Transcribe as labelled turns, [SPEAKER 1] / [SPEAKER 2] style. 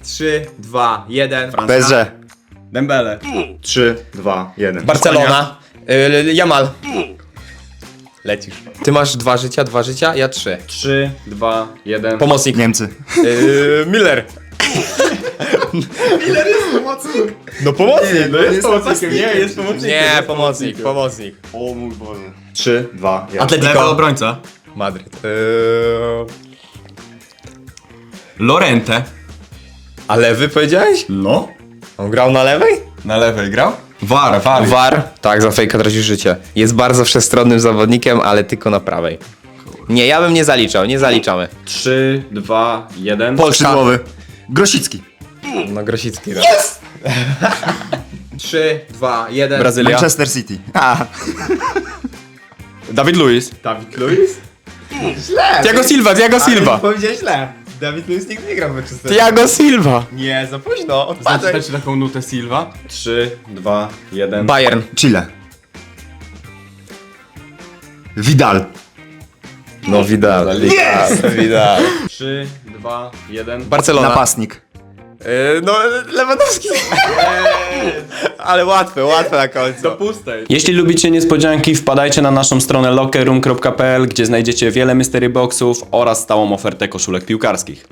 [SPEAKER 1] 3, 2, 1.
[SPEAKER 2] PSG.
[SPEAKER 3] Dembele.
[SPEAKER 2] 3, 2, 1.
[SPEAKER 1] Barcelona. Jamal. Lecisz. Ty masz 2 życia, ja 3.
[SPEAKER 3] 3, 2, 1.
[SPEAKER 1] Pomocnik.
[SPEAKER 2] Niemcy.
[SPEAKER 1] Miller. No pomocnik.
[SPEAKER 3] No jest pomocnikiem, nie, jest pomocnikiem.
[SPEAKER 1] Nie, pomocnik.
[SPEAKER 3] O mój Boże.
[SPEAKER 2] 3, 2, 1.
[SPEAKER 3] Lewy
[SPEAKER 1] Atletico.
[SPEAKER 3] obrońca.
[SPEAKER 1] Madryt.
[SPEAKER 3] Lorente.
[SPEAKER 1] A lewy powiedziałeś?
[SPEAKER 3] No.
[SPEAKER 1] On grał na lewej?
[SPEAKER 3] Na lewej grał? War.
[SPEAKER 1] War. Tak, za fejka tracisz życie. Jest bardzo wszechstronnym zawodnikiem, ale tylko na prawej. Nie, ja bym nie zaliczał, nie zaliczamy.
[SPEAKER 3] 3, 2, 1.
[SPEAKER 2] Skrzydłowy. Grosicki.
[SPEAKER 1] No Grosicki. Yes! 3, 2, 1.
[SPEAKER 3] Brazylia.
[SPEAKER 2] Manchester City. A,
[SPEAKER 3] Dawid Luiz.
[SPEAKER 1] Dawid Luiz?
[SPEAKER 3] Thiago Silva.
[SPEAKER 1] Powiedziałeś źle. Dawid Luiz nigdy nie grał w Manchester.
[SPEAKER 3] Thiago Silva.
[SPEAKER 1] Nie, za późno, odpadaj.
[SPEAKER 3] Znaczy taką nutę Silva. 3, 2, 1.
[SPEAKER 1] Bayern.
[SPEAKER 2] Chile. Vidal.
[SPEAKER 1] No Vidal. Vidal.
[SPEAKER 3] 3, 2, 1.
[SPEAKER 1] Barcelona.
[SPEAKER 2] Napastnik.
[SPEAKER 1] No Lewandowski. Ale łatwe na końcu.
[SPEAKER 3] Do pustej.
[SPEAKER 4] Jeśli lubicie niespodzianki, wpadajcie na naszą stronę lockerroom.pl, gdzie znajdziecie wiele mystery boxów oraz stałą ofertę koszulek piłkarskich.